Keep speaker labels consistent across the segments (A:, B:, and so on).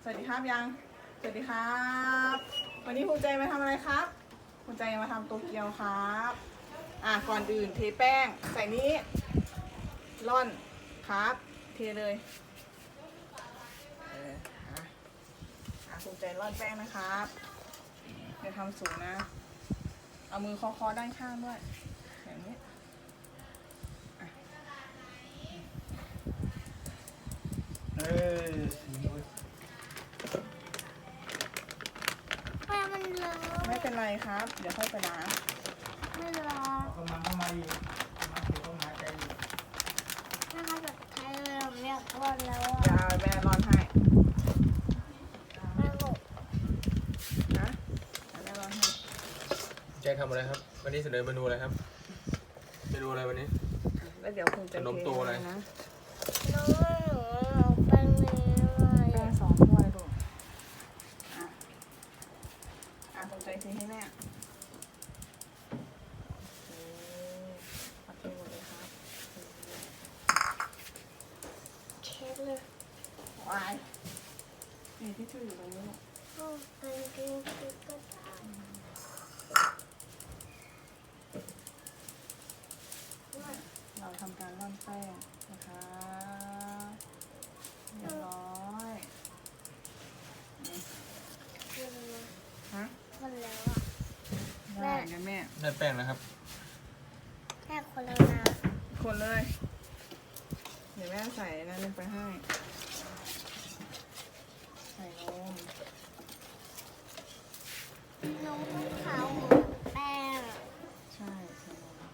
A: สวัสดีครับยังสวัสดีครับ วันนี้ภูมิใจมาทำอะไรครับภูมิใจมาทำโตเกียวครับก่อนอื่นเทแป้งใส่นี้ร่อนครับเทเลยภูมิใจร่อนแป้งนะครับเดี๋ยวทำสูงนะเอามือเคาะๆด้านข้างด้วยอย่างนี้
B: มันเลอะ
A: ไม่เป็นไรครับ เดี๋ยวค่อยไปล้าง
B: ไม่เลอะ
C: เข้ามาอยู่มาถือเข้ามาใจอยู่
B: แม่เขาแบบไทยเลยผมอยากร่อนแล้ว
A: อย่าแม่ร่อนให้
B: แม่บอก
A: นะแม่ร่อนให้
D: แจ็คทำอะไรครับ วันนี้เสนอเมนูอะไรครับเมนูอะไรวันนี้
A: แล้วเดี๋ยวคงจะ
D: ขนมโตอะไร
A: นะ
B: น้องหนูเอาแป้งนี้มา
A: แป้ง2 ถ้วยลูกคงใจเทให้แม่โอเคหมดเลยครับ
B: เช็ดเลย
A: วายนี่ที่ชื่ออยู่ตรงนี้ลูก
B: ก็เป็นกินคิดก็ได้
A: เราทำการร่อนแป้งนะคะเรียบร้อยฮะ
B: คนแล้วอ่ะ
A: ได้งั้นแม่
D: ได้แป้งแล้วครับ
B: แค่คนแล้วนะ
A: คนเลย เดี๋ยวแม่ใส่นั่นลงไปให้ ใส่นม
B: น้องต้องขาวเหมือนแป้ง
A: ใช่ใส่นม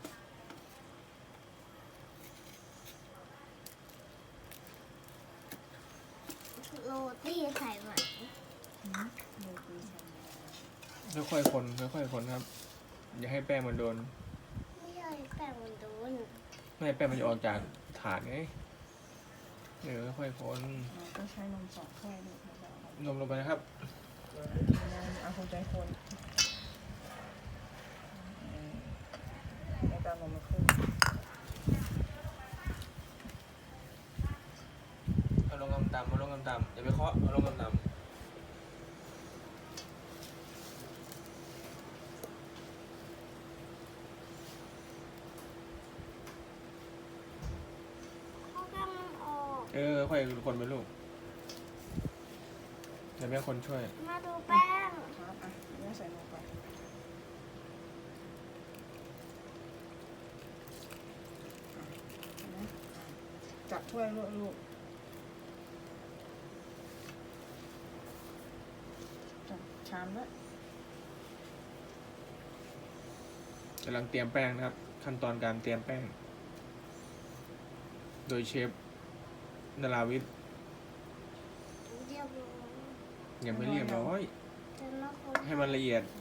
B: โรตีใส่ไหม
A: โรตีใส่นม
D: ค่อยๆคนค่อยๆคนครับ อย่าให้แป้งมันโดน
B: ไม่ใช่แป้งมันโดน
D: ไม่ให้แป้งมันจะออกจากถาดไงค่อยๆคน
A: ก็ใช้นม2 ถ้วยลูก
D: นมลงไปนะครับ
A: เอาคนใจคนแล้วก็นมมาขึ้น
D: เอาลงต่ำๆเอาลงต่ำๆอย่าไปเคาะเอาลงต่ำ
B: เขาแป้งมันออก
D: ค่อยคนไปลูกเดี๋ยวแม่คนช่วย
B: มาดูแป้ง
A: ครับแม่ใส่นมไปจับถ้วยลูกจับชามด้วย
D: กำลังเตรียมแป้งนะครับ ขั้นตอนการเตรียมแป้ง โดยเชฟนราวิทย์
B: เดี๋ยว
D: ยังไม่เรียบร้อย
B: จะมาคน
D: ให้มันละเอียด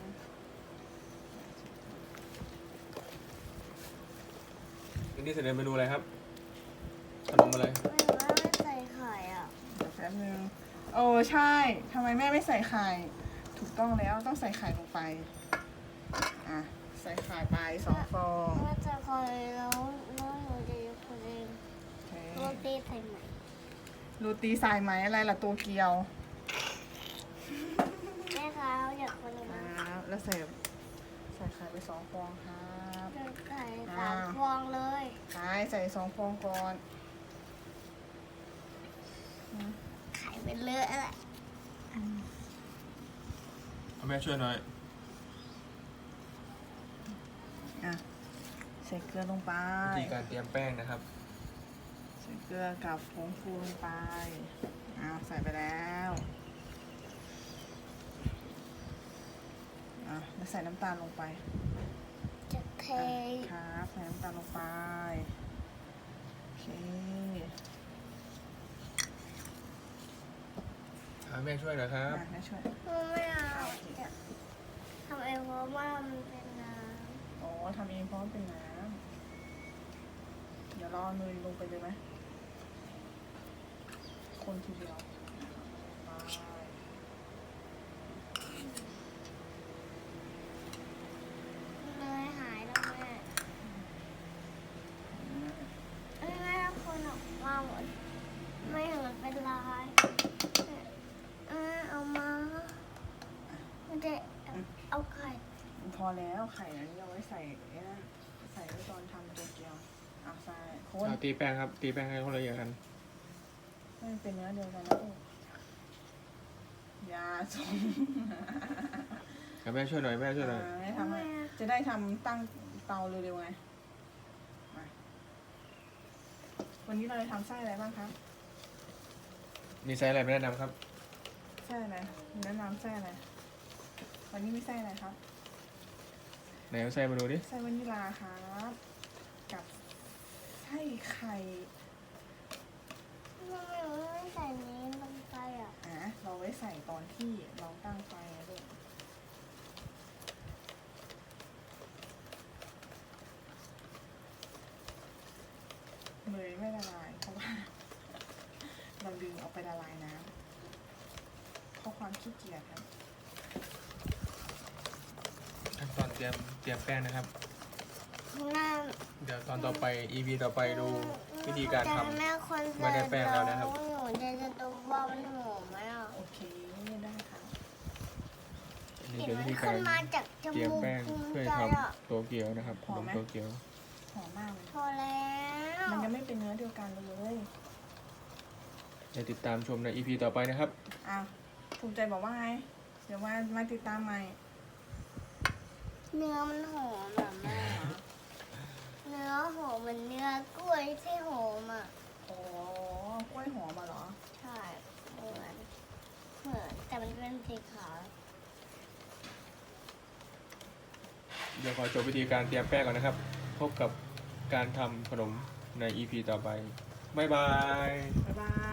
D: วันนี้เสนอเมนูอะไรครับขนมอะไร
B: ไม่ว่าไม่ใส่ไข่อ่ะ
A: เดี๋ยวแป๊บนึงโอ้ใช่ทำไมแม่ไม่ใส่ไข่ถูกต้องแล้วต้องใส่ไข่ลงไปใส่ไข่ไป2 ฟอง
B: ว่าจะคอยแล้วหนูจะยกคนเอง
A: โอเค
B: โรตีใส่ไหม
A: โรตีสายไหมอะไรล่ะตัวเกียว
B: แม่คะอยากคนเอง
A: แล้วใส่ไข่ไป2 ฟองครับ
B: จะไข่3 ฟองเลย
A: ใส่2 ฟองก่อน
B: ไข่เป็นเลอะแหละ
D: เอาแม่ช่วยหน่อย
A: ใส่เกลือลงไป
D: วิธีการเตรียมแป้งนะครับ
A: ใส่เกลือกับผงฟูลงไปใส่ไปแล้วแล้วใส่น้ำตาลลงไป
B: จะเท
A: ครับใส่น้ำตาลลงไปโอเค
D: แม่ช่วยหน่อยครับ
A: แม่ช่วย
B: ไม่เอาจะทำเองเพราะว่ามันเป็นน้
A: อ๋อทำเองเพราะมันเป็นน้ำเดี๋ยวรอเนยลงไปเลยไหมคนทีเดียวไป
B: ำเลยหายแล้วแม่แม่คนออกมาหมดไม่เห็นมันเป็นลาย
A: พอแล้วไข่นั้นเอาไว้ใส่ไอ้นั่นใส่ไว้ตอนทำตัวเกี๊ยวอ่ะใส่คน
D: เอาตีแป้งครับ ตีแป้งให้คนละเอียดกัน
A: ให้มันเป็นเนื้อเดียวกันนะลูกยาส่ง
D: แม่ช่วยหน่อยแม่ช่วยหน่อย
A: ให้ทำให้จะได้ทำตั้งเตาเร็วๆไงมาวันนี้เราจะทำไส้อะไรบ้างครับ
D: มีไซส์อะไรไม่แนะนำครับ
A: ไส้อะไรแนะนำไส้อะไรวันนี้มีไส้อะไรครับ
D: ไหนเอาไส้มาดูดิ
A: ไส้วานิลาครับกับไส้ไข่
B: ทำไมเราไม่ใส่นี้ลงไปอ่ะ
A: เราไว้ใส่ตอนที่เราตั้งไฟอะลูกเนยไม่ละลายเพราะว่า เราลืมเอาไปละลายน้ำเพราะความขี้เกียจครับ
D: ขั้นตอนเตรียมแป้งนะครับ
B: ข้างหน้า
D: เดี๋ยวตอนต่อไป EP ต่อไปดูวิธีการทำ
B: แม่คน
D: ไม่ได้แป้งแล้วนะครับ
B: หนูจะตัวว่ามันหอมไหมอ่ะ
A: โอเคได้ค่ะ
D: อันนี้
B: กลิ่น
D: เป็นวิ
B: มัน
D: ธีกา
B: ขึ้
D: ร
B: นมาจากจ
D: เตรียม
B: มูก
D: แป้ง
B: ภูมิ
D: เพื่อ
B: ใจ
D: ท
B: อ่ะ
D: ำโตเกียวนะครับขนมโตเกียว
A: หอมมากเลย
B: พอแล้ว
A: มันยังไม่เป็นเนื้อเดียวกันเลย
D: เดี๋ยวติดตามชมใน EP ต่อไปนะครับ
A: อ่ะภูมิใจบอกว่าไง เดี๋ยวมาติดตามใหม่
B: เนื้อมันหอมแบบแม่เนื้อหอมเหมือนเนื้อกล้วยที่หอมอ่ะ
A: อ๋อกล้วยหอมมาเหรอ
B: ใช่เหมือนแต่มันเป็นสีขาว
D: เดี๋ยวขอจบวิธีการเตรียมแป้งก่อนนะครับ พบกับการทำขนมใน EP ต่อไป บ๊ายบาย
A: บ๊ายบาย